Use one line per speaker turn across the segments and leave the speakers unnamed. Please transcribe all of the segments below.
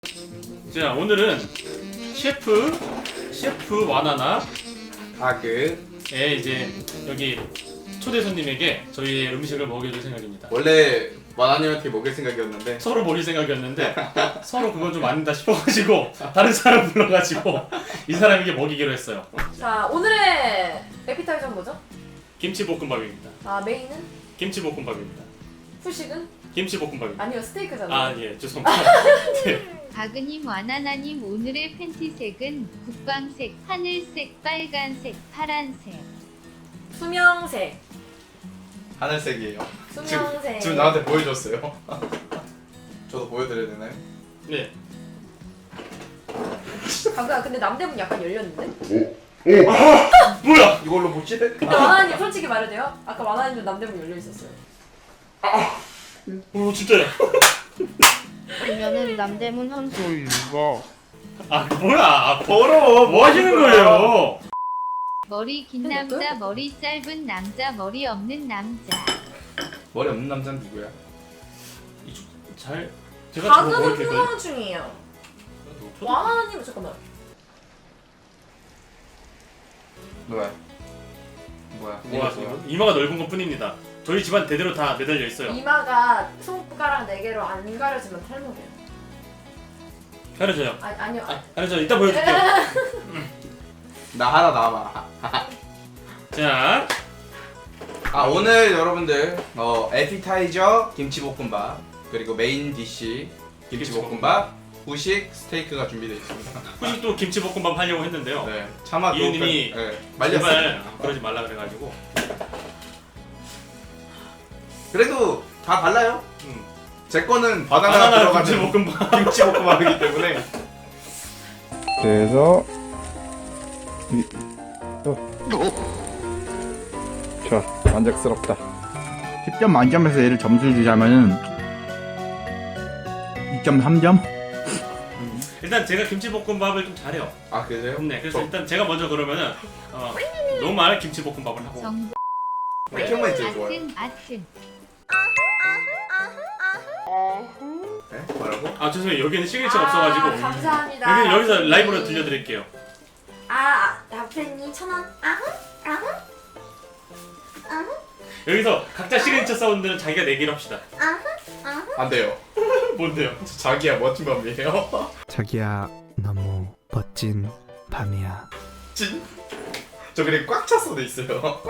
자, 오늘은 셰프 와나나
가그에
이제 여기 초대 손님에게 저희의 음식을 먹여줄 생각입니다.
원래 와나님한테 먹일 생각이었는데
서로 먹일 생각이었는데 서로 그건 좀 아니다 싶어가지고 다른 사람 불러가지고 이 사람에게 먹이기로 했어요.
자, 오늘의 에피타이저는 뭐죠?
김치볶음밥입니다.
아, 메인은?
김치볶음밥입니다.
후식은?
김치볶음밥입니다.
아니요, 스테이크잖아요.
아, 예, 죄송합니다. 네.
가그님 와나나님 오늘의 팬티색은 국방색, 하늘색, 빨간색, 파란색.
수명색.
하늘색이에요.
수명색.
지금 나한테 보여줬어요. 저도 보여드려야 되나요?
네.
가그야, 근데 남대문 약간 열렸는데?
뭐야?
이걸로 못 찌대?
근데 와나님 솔직히 말해도 돼요? 아까 와나님도 남대문 열려 있었어요.
오, 진짜야.
그러면은 남대문 선수
아, 뭐야? 더러워. 뭐 하시는 거예요?
머리 긴 남자, 머리 짧은 남자, 머리 없는 남자.
머리 없는 남자는 누구야?
이쪽 잘 제가 저거
가그는
먹을 거예요.
통화는 중이에요. 와나님은 잠깐만.
뭐야?
뭐 하세요? 이마가 넓은 것 뿐입니다. 저희 집안 대대로 다 매달려 있어요.
이마가 손가락 4개로 안 가려지면 탈모돼요.
가려져요.
아니요.
가려져. 이따 보여줄게요.
나 하나 남아.
자,
오늘 여러분들 에피타이저 김치볶음밥 그리고 메인 디시 김치볶음밥 후식 스테이크가 준비되어 있습니다.
후식도 김치볶음밥 하려고 했는데요.
네, 차마
이유님이
말렸어요.
제발 그러지 말라 그래가지고.
그래도 다 달라요. 제 거는 바나나
바나나
들어가는
김치볶음밥.
김치볶음밥이기 때문에.
그래서 좋아, 만족스럽다. 10점 만점에서 얘를 점수를 주자면은 2.3점?
일단 제가 김치볶음밥을 좀 잘해요.
아 그래요?
네, 그래서
저-
일단 제가 먼저 그러면은 너무 많은 김치볶음밥을 하고.
정보,
맥주만 제일 좋아요.
아튼.
네? 뭐라고?
아, 죄송해요. 여기는 시그니처가 없어가지고.
감사합니다.
여기서 라이브로 들려드릴게요.
라페니 1,000원.
여기서 각자 시그니처 사운드는 자기가 내기로 합시다.
안 돼요.
뭔데요?
자기야 멋진 밤이에요.
자기야 너무 멋진 밤이야.
진? 저 그래 꽉 찼어도 있어요.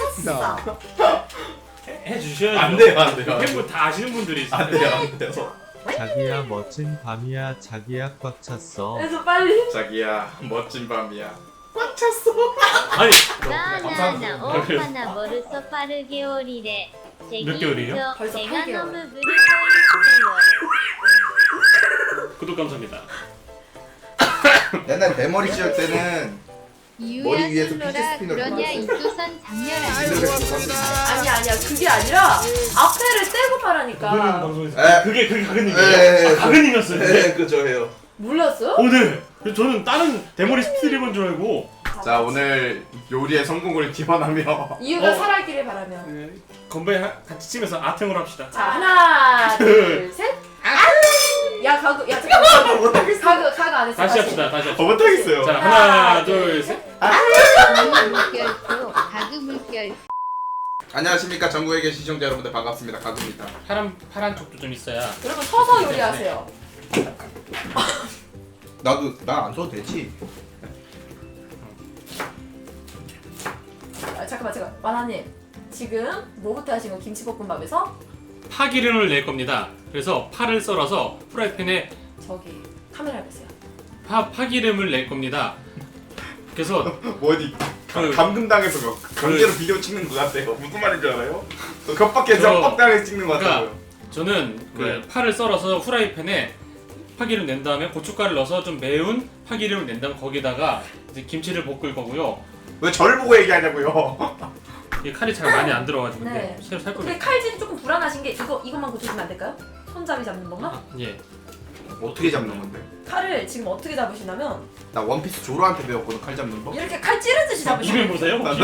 해주셔야죠.
안 돼요, 안 돼요.
팬분 다 아시는 분들이 있어요.
안 돼요, 안 돼요.
자기야 멋진 밤이야. 자기야 꽉 찼어.
그래서 빨리.
자기야 멋진 밤이야. 꽉 찼어.
아니,
나나나 오하나 머르서 빠르게 오리래.
몇 개월이에요?
벌써
내가
8개월.
너무 무리고 있어요.
구독 감사합니다.
옛날 대머리 찌을 때는
이유야
머리 위에서
솔로라
피지 스피너를
그러냐
받았어요.
이조선 장렬
아니야, 그게 아니라 앞에를 떼고 말하니까.
방송에서
에.
그게
에.
가근님이에요. 가근님이었어요.
네, 그죠 해요.
몰랐어요?
오늘 저는 다른 대머리 스트리머인 줄 알고.
자 오늘 요리의 성공을 기원하며
이유가 살아있기를 바라며.
건배 같이 치면서 아탱으로 합시다.
자, 하나, 둘, 셋. 야, 가그, 야, 잠깐만. 가그 안 했어.
다시 합시다. 다시 합시다.
못하겠어요.
자, 하나, 둘, 셋.
물결도 가그 물결.
안녕하십니까 전국에 계신 시청자 여러분들 반갑습니다. 가그입니다.
파란 쪽도 좀 있어야.
여러분 서서 요리하세요.
나도 난 안 써도 되지.
잠깐만. 만화님. 지금 뭐부터 하신 거? 김치볶음밥에서?
파기름을 낼 겁니다. 그래서 파를 썰어서 프라이팬에
저기 카메라 보세요.
파기름을 낼 겁니다. 그래서
뭐 어디 감금당해서 강제로 비디오 찍는 것 같아요. 무슨 말인지 알아요? 겉밖에서 뻑당해 찍는 것
그러니까
같아요.
저는 그
네.
파를 썰어서 후라이팬에 파기름 낸 다음에 고춧가루를 넣어서 좀 매운 파기름을 낸 다음에 거기다가 이제 김치를 볶을 거고요.
왜 저를 보고 얘기하냐고요?
이게 칼이 잘 많이 안 들어가지고 근데
네.
새로 살
근데
겁니다.
칼질이 조금 불안하신 게 이것만 고쳐주면 안 될까요? 손잡이 잡는 것만?
예.
어떻게 잡는 건데?
칼을 지금 어떻게 잡으시냐면
나 원피스 조로한테 배웠거든 칼 잡는 법.
이렇게 칼 찌르듯이
입을
잡으시면
보세요. 혹시?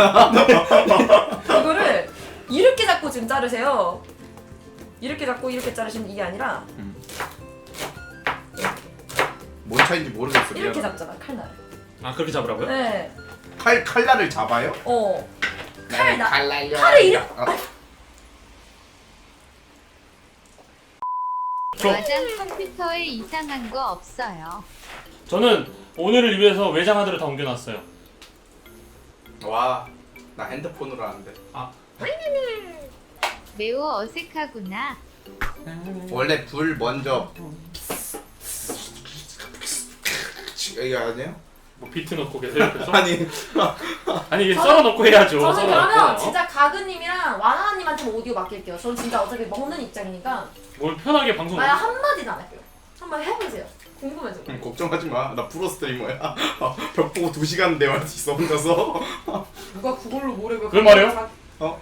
이거를 이렇게 잡고 지금 자르세요. 이렇게 잡고 이렇게 자르시면 이게 아니라
뭔 차인지 모르겠어.
이렇게
미안하다.
잡잖아 칼날을.
아 그렇게 잡으라고요?
네.
칼날을 잡아요?
칼날요. 칼을 이렇게.
와장 컴퓨터에 이상한 거 없어요.
저는 오늘을 위해서 외장 하드를 다 옮겨놨어요.
와, 나 핸드폰으로 하는데.
매우 어색하구나.
원래 불 먼저 이게 아니에요?
뭐 비트 넣고 계세요 옆에서?
아니
아니 이게 썰어 넣고 해야죠.
저는
썰어
그러면
넣고.
진짜 가그님이랑 와나님한테 오디오 맡길게요. 저는 진짜 어차피 먹는 입장이니까
뭘 편하게 방송.
만약 한마디도 안 할게요. 한번 해보세요. 궁금해서.
걱정하지 마. 나 프로 스트리머야. 벽 보고 2시간 대화할 수 있어 혼자서.
누가 그걸로 뭐래
그걸 말해요?
어?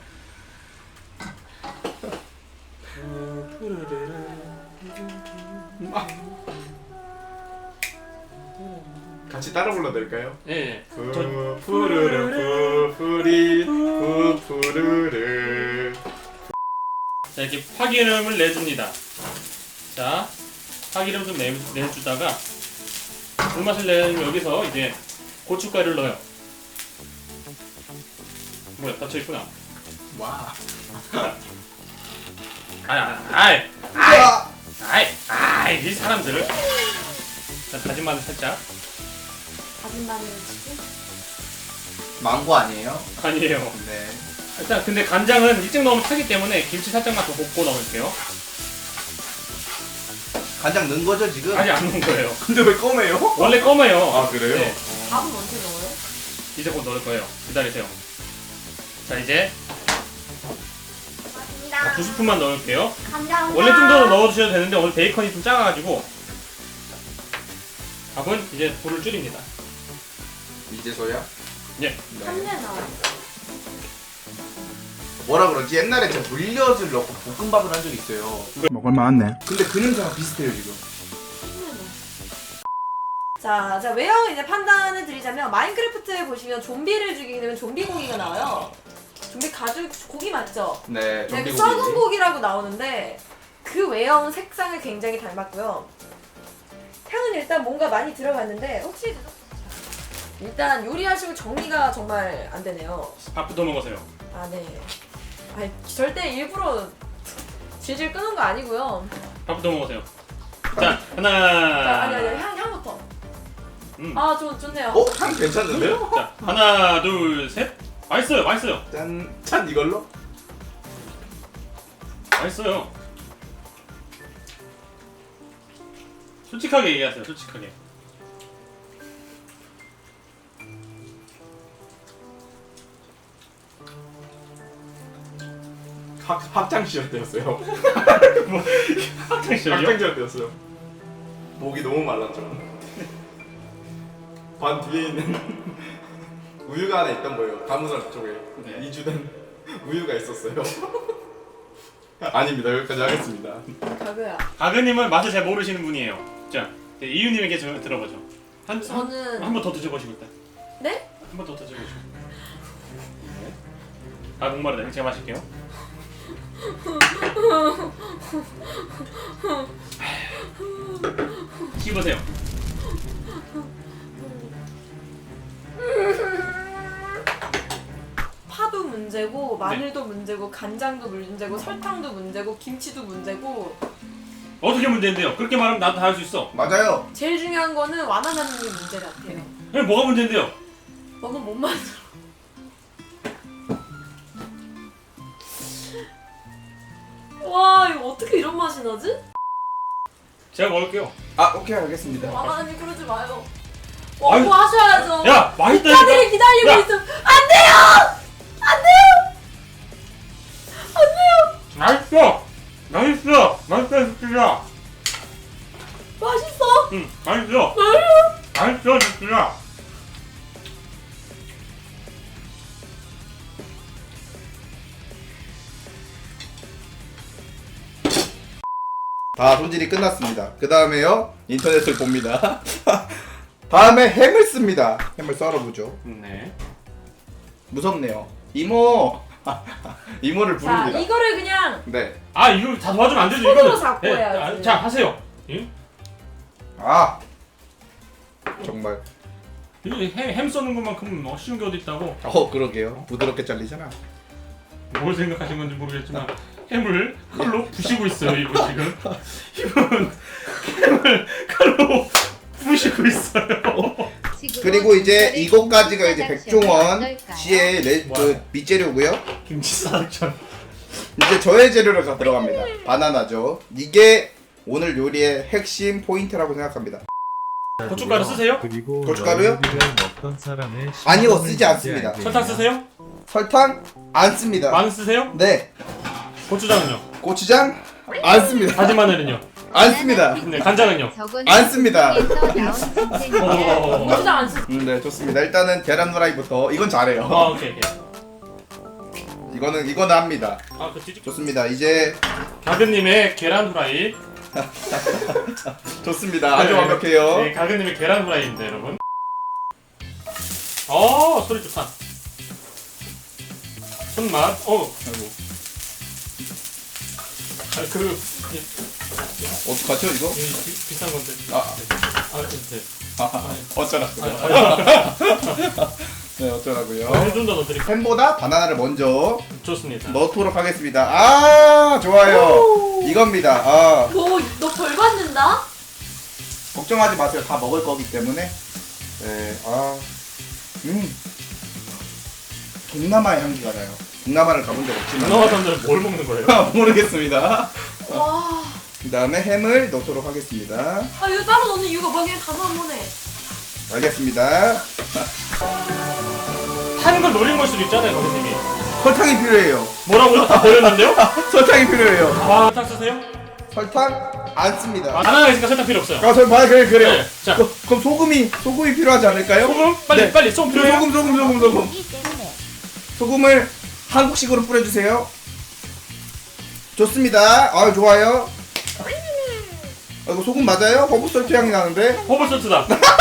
같이 따라 불러도 될까요?
예.
푸푸르르 푸푸리 푸푸르르.
자 이렇게 파기름을 내줍니다. 자 파기름 좀 내주다가 불맛을 내면 여기서 이제 고춧가루를 넣어요. 뭐야 닫혀 있구나.
와.
이 사람들을. 자 다진 마늘 살짝.
다진 마늘을 치고.
망고 아니에요?
아니에요.
네.
일단 근데 간장은 일찍 넣으면 타기 때문에 김치 살짝만 더 볶고 넣을게요.
간장 넣은 거죠 지금?
아니 안 넣은 거예요.
근데 왜 검해요?
원래 검어요.
아 그래요?
네.
밥은 언제 넣어요?
이제 곧 넣을 거예요. 기다리세요. 자 이제
감사합니다.
2스푼만 넣을게요.
감사합니다.
원래 좀 더 넣어주셔도 되는데 오늘 베이컨이 좀 작아가지고 밥은 이제 불을 줄입니다.
이제서야?
예.
네.
한내나.
뭐라 그러지? 옛날에 제가 물엿을 넣고 볶음밥을 한 적이 있어요.
먹을만하네.
근데 그 냄새가 비슷해요 지금.
자, 외형 이제 판단을 드리자면 마인크래프트에 보시면 좀비를 죽이게 되면 좀비 고기가 나와요. 좀비 가죽 고기 맞죠?
네.
네, 그 썩은 고기라고 나오는데 그 외형 색상을 굉장히 닮았고요. 향은 일단 뭔가 많이 들어갔는데 혹시 일단 요리하시고 정리가 정말 안 되네요.
밥부터 먹으세요.
아 네. 아 절대 일부러 질질 끄는 거 아니고요.
밥부터 먹으세요. 자
자,
하나.
아니 향부터. 아 좋네요.
어? 향 괜찮은데요?
자 하나 둘 셋. 맛있어요. 맛있어요.
짠 이걸로?
맛있어요. 솔직하게 얘기하세요. 솔직하게.
학창 시절 때였어요.
학창 시절이요?
학창 시절 때였어요. 목이 너무 말랐죠. 반 뒤에 있는 우유가 하나 있던 거예요. 가무살 쪽에
네.
2주된 우유가 있었어요. 아닙니다. 여기까지 하겠습니다.
가그야.
가그님은 맛을 잘 모르시는 분이에요. 자 이제 이유님에게 들어보죠.
저는
한 번 더 드셔보시고 일단.
네?
한 번 더 드셔보시고. 네. 아 목마르다. 제가 마실게요. 씹으세요.
파도 문제고 마늘도 문제고 간장도 문제고 설탕도 문제고 김치도 문제고
어떻게 문제인데요? 그렇게 말하면 나도 다 할 수 있어.
맞아요.
제일 중요한 거는 와나나님이 문제 같아요.
뭐가 문제인데요?
너는 못 만들어. 와 이거 어떻게 이런 맛이 나지?
제가 먹을게요.
아 오케이 알겠습니다.
와나나님 그러지 마요. 뭐
아유,
하셔야죠.
야 맛있다니까.
국가들이 기다리고
야.
있어. 안 돼요. 안 돼요. 안 돼요.
맛있어. 맛있어 진짜.
맛있어.
응 맛있어. 맛있어 진짜.
다 손질이 끝났습니다. 그 다음에요 인터넷을 봅니다. 다음에 햄을 씁니다. 햄을 썰어보죠.
네.
무섭네요. 이모 이모를
자
부릅니다.
이거를 그냥
네.
아 이거 다 도와주면 안 되죠.
손으로
이거는.
잡고 해야지.
자 하세요. 예?
아 정말.
햄 쏘는 것만큼 쉬운 게 어디 있다고.
그러게요. 부드럽게 잘리잖아.
뭘 생각하신 건지 모르겠지만 햄을 칼로 부시고 있어요. 이분 지금. 이분 햄을 칼로 부시고 있어요.
그리고 이제 이것까지가 이제 백종원 씨의 그 밑재료고요.
김치 사육전.
이제 저의 재료가 들어갑니다. 바나나죠. 이게 오늘 요리의 핵심 포인트라고 생각합니다.
고춧가루 쓰세요?
그리고
고춧가루요?
요리를 먹던 사람의
아니요,
신분을
쓰지 않습니다.
얘기하게
설탕 쓰세요?
설탕 안 씁니다.
마늘 쓰세요?
네.
고추장은요?
고추장 안 씁니다.
다진 마늘은요?
안 씁니다.
네, 간장은요?
안 씁니다.
고추장 안 쓰.
네, 좋습니다. 일단은 계란 후라이부터. 이건 잘해요.
오케이.
이거는 합니다.
그 뒤집.
좋습니다. 이제
가근님의 계란 후라이.
좋습니다. 아주
네,
완벽해요.
네, 가근님의 계란 후라이입니다, 여러분. 소리 좋다. 손맛.
아이고. 어떡하죠 이거?
비싼 건데.
어쩌라고요? 네, 어쩌라고요?
좀 더 넣어드릴게요.
햄보다 바나나를 먼저
좋습니다.
넣도록 하겠습니다. 아, 좋아요. 이겁니다.
너 벌 받는다?
걱정하지 마세요. 다 먹을 거기 때문에. 네, 동남아의 향기가 나요. 동남아를 가본 적 없지만.
동남아 사람들은 뭘 먹는 거예요?
모르겠습니다.
와.
그 다음에 햄을 넣도록 하겠습니다.
이거 따로 넣는 이유가 뭐야? 그냥 다 넣으면 해.
알겠습니다.
하는 걸 노린 걸 수도 있잖아요, 거기님이.
설탕이 필요해요.
뭐라고요? 다 버렸는데요?
설탕이 필요해요.
설탕 쓰세요?
설탕 안 씁니다.
바나나 있으니까 설탕 필요 없어요.
그래요.
네, 자.
그럼 소금이 필요하지 않을까요?
소금? 빨리 소금 필요해요?
소금. 소금을 한국식으로 뿌려주세요. 좋습니다. 좋아요. 이거 소금 맞아요? 허브솔트 향이 나는데?
허브솔트다.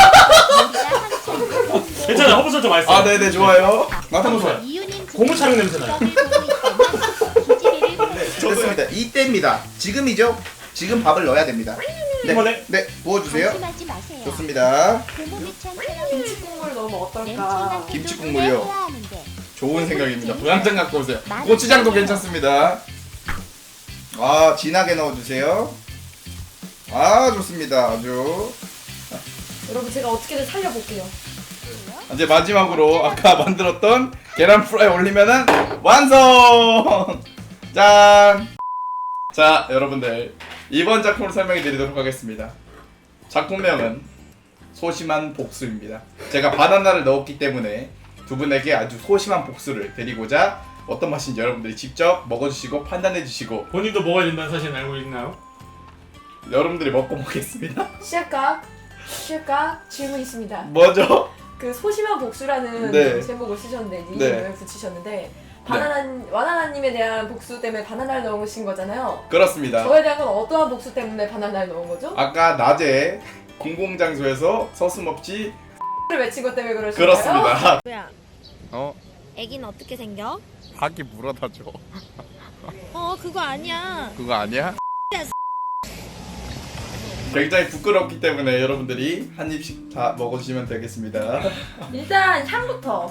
괜찮아요. 허브솔트 맛있어요.
네네, 좋아요. 맡아보세요.
고무창 냄새 나요.
좋습니다. 이때입니다. 지금이죠? 지금 밥을 넣어야 됩니다.
이번에?
네, 부어주세요. 좋습니다.
김치 국물 넣으면 어떨까?
김치 국물이요. 좋은 생각입니다. 고향장 갖고 오세요. 고추장도 괜찮습니다. 진하게 넣어주세요. 좋습니다. 아주.
여러분 제가 어떻게든 살려볼게요.
이제 마지막으로 아까 만들었던 계란 프라이 올리면은 완성! 짠! 자, 여러분들 이번 작품을 설명해 드리도록 하겠습니다. 작품명은 소심한 복수입니다. 제가 바나나를 넣었기 때문에 두 분에게 아주 소심한 복수를 드리고자 어떤 맛인지 여러분들이 직접 먹어주시고 판단해주시고
본인도 먹어야 된다는 사실 알고 있나요?
여러분들이 먹고 보겠습니다.
시작각 질문 있습니다.
뭐죠?
그 소심한 복수라는
네.
제목을 쓰셨는데
네.
닉을 붙이셨는데 와나나님에 대한 복수 때문에 바나나를 넣으신 거잖아요.
그렇습니다.
저에 대한 건 어떠한 복수 때문에 바나나를 넣은 거죠?
아까 낮에 공공장소에서 서슴없이
를 외친 것 때문에 그러신가요?
그렇습니다.
뭐야? 애기는 어떻게 생겨?
아기 물어다 줘.
그거 아니야.
그거 아니야? 굉장히 부끄럽기 때문에 여러분들이 한 입씩 다 먹어주시면 되겠습니다.
일단 향부터.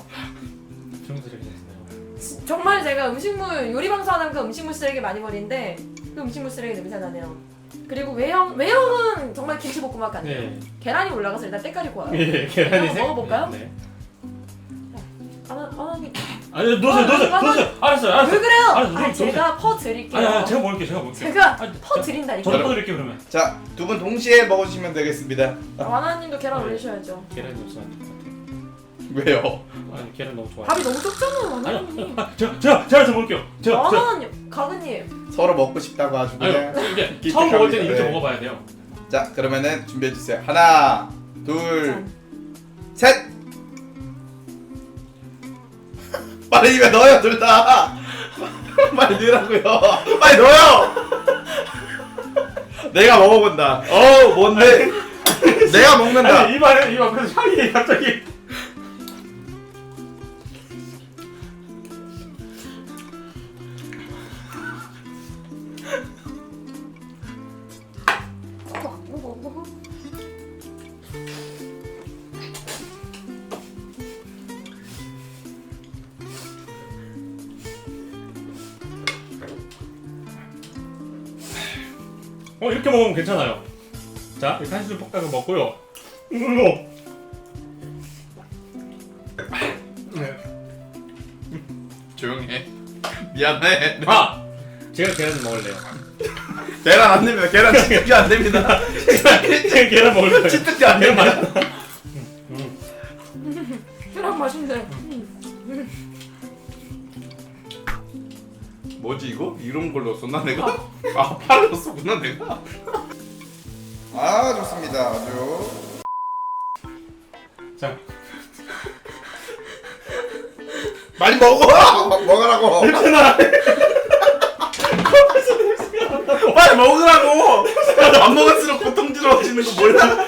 정말 제가 요리 방송하다니까 음식물 쓰레기 많이 버리는데 그 음식물 쓰레기 냄새 나네요. 그리고 외형은 정말 김치볶음밥 같네요.
네.
계란이 올라가서 일단 때깔이 고와요.
예, 계란이
한번 먹어볼까요?
네.
아니
넣으세요. 알았어요.
왜 그래요?
알았어,
제가 퍼 드릴게요.
아니, 제가 먹을게요.
제가 퍼 드린다니까.
저도 퍼드릴게요 그러면.
자, 두 분 동시에 먹어주시면 되겠습니다.
와나님도 계란 올리셔야죠.
계란이 없으면 안 될 것 같아요.
왜요?
아니 계란 너무 좋아.
밥이 너무 적잖아요, 와나님.
제가 먹을게요.
와나님, 가근님.
서로 먹고 싶다고 아주 그냥.
이게 처음 먹을 때는 이렇게
네.
먹어봐야 돼요.
자, 그러면은 준비해주세요. 하나, 둘, 셋! 빨리 입에 넣어요, 둘 다! 빨리 넣으라고요. 빨리 넣어요! 내가 먹어본다. 뭔데? 내가 먹는다.
아니 이만 그래서 향이 갑자기. 이렇게 먹으면 괜찮아요. 자, 이렇게 한 스푼 볶아서 먹고요.
조용해. 미안해.
아! 제가 계란 먹을래요.
계란 안 됩니다. 계란 치트키 안 됩니다.
제가 계란 먹을 거예요.
치트키 안 됩니다.
계란 맛있네.
뭐지 이거? 이런 걸 넣었었나 내가? 아 파를 넣었었구나 내가. 아 좋습니다. 아주.
자,
많이 먹어. 먹으라고. 빨리 먹으라고. 안 먹을수록 고통스러워지는 거 몰라?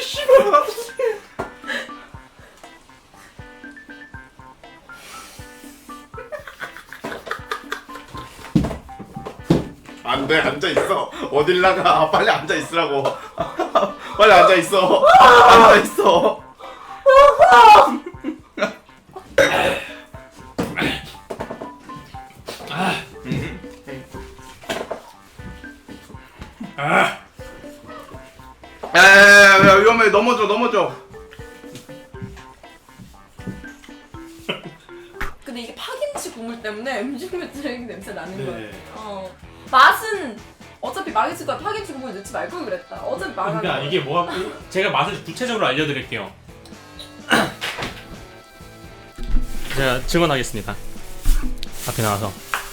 안돼 앉아 있어. 어딜 나가? 빨리 앉아 있으라고. 빨리 앉아 있어. 앉아 있어. 야, 위험해. 넘어져.
근데 이게 파김치 국물 때문에 음식물 쓰레기 냄새 나는
네.
거예요. 맛은 어차피 망했을 거야. 파김치 국물 넣지 말걸 그랬다. 어차피 망한
그러니까
거야.
이게 뭐가 제가 맛을 구체적으로 알려드릴게요. 제가 증언하겠습니다. 앞에 나와서.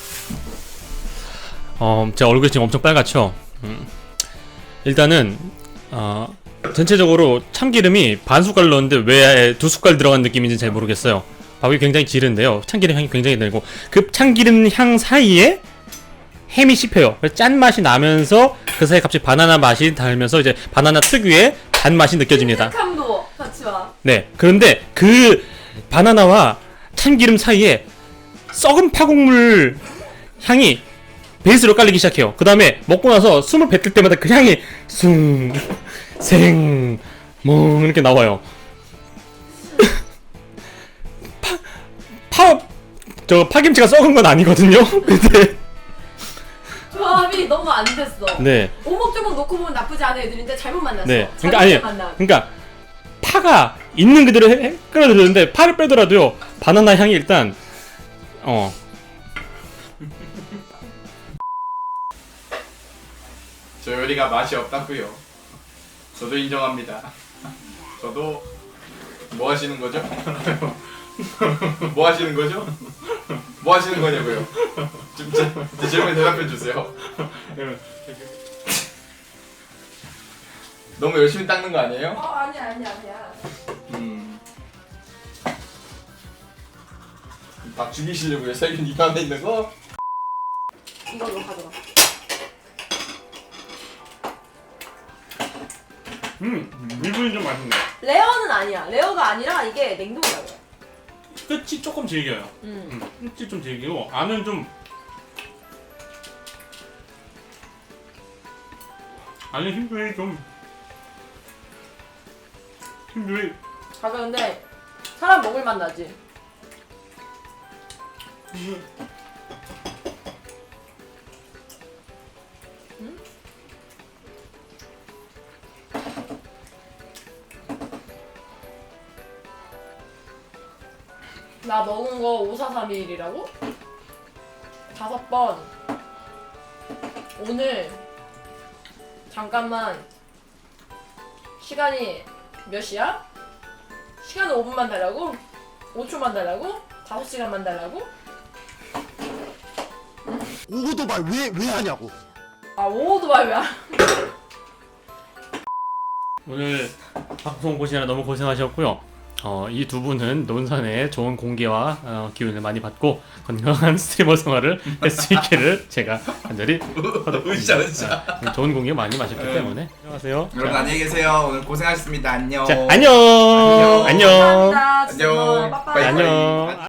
제 얼굴이 지금 엄청 빨갛죠. 일단은 전체적으로 참기름이 반 숟갈 넣었는데 왜 2숟갈 들어간 느낌인지 잘 모르겠어요. 밥이 굉장히 지른데요. 참기름 향이 굉장히 들고 그 참기름 향 사이에 햄이 씹혀요. 짠 맛이 나면서 그 사이에 갑자기 바나나 맛이 달면서 이제 바나나 특유의 단 맛이 느껴집니다.
큼직함도 같이 와.
네. 그런데 그 바나나와 참기름 사이에 썩은 파국물 향이 베이스로 깔리기 시작해요. 그 다음에 먹고 나서 숨을 뱉을 때마다 그 향이 뭉 이렇게 나와요. 저 파김치가 썩은 건 아니거든요. 근데
조합이 너무 안 됐어.
네.
오목조목 놓고 보면 나쁘지 않은 애들인데 잘못 만났어.
네.
잘못
그러니까 아니.
만남.
그러니까 파가 있는 그대로 끌어들였는데 파를 빼더라도요. 바나나 향이 일단
저 요리가 맛이 없다고요. 저도 인정합니다. 저도 뭐 하시는 거죠? 뭐 하시는 거죠? 뭐 하시는 거냐고요? 제 질문에 대답해 주세요. 너무 열심히 닦는 거 아니에요?
아니야.
밥 죽이시려고요? 세균 입 안에 있는 거?
이걸로 가져가.
일분이 좀 맛있네.
레어는 아니야. 레어가 아니라 이게 냉동이라고요.
끝이 조금 질겨요. 끝이 좀 질기고 안은 좀 안에 힘들이 좀 힘들이
가벼운데 사람 먹을 맛 나지. 나 먹은 거 5431이라고? 5번. 오늘 잠깐만 시간이 몇 시야? 시간은 5분만 달라고? 5초만 달라고? 5시간만 달라고?
오토바이 왜 하냐고.
아 오토바이 왜?
오늘 방송 보시느라 너무 고생하셨고요. 이 두 분은 논산의 좋은 공기와 기운을 많이 받고 건강한 스트리머 생활을 할 수 있기를 제가 간절히
으쌰.
좋은 공기 많이 마셨기 때문에 안녕하세요.
여러분 안녕히 계세요. 오늘 고생하셨습니다. 안녕.
자, 안녕.
감사합니다.
안녕.
빠빠이.
안녕.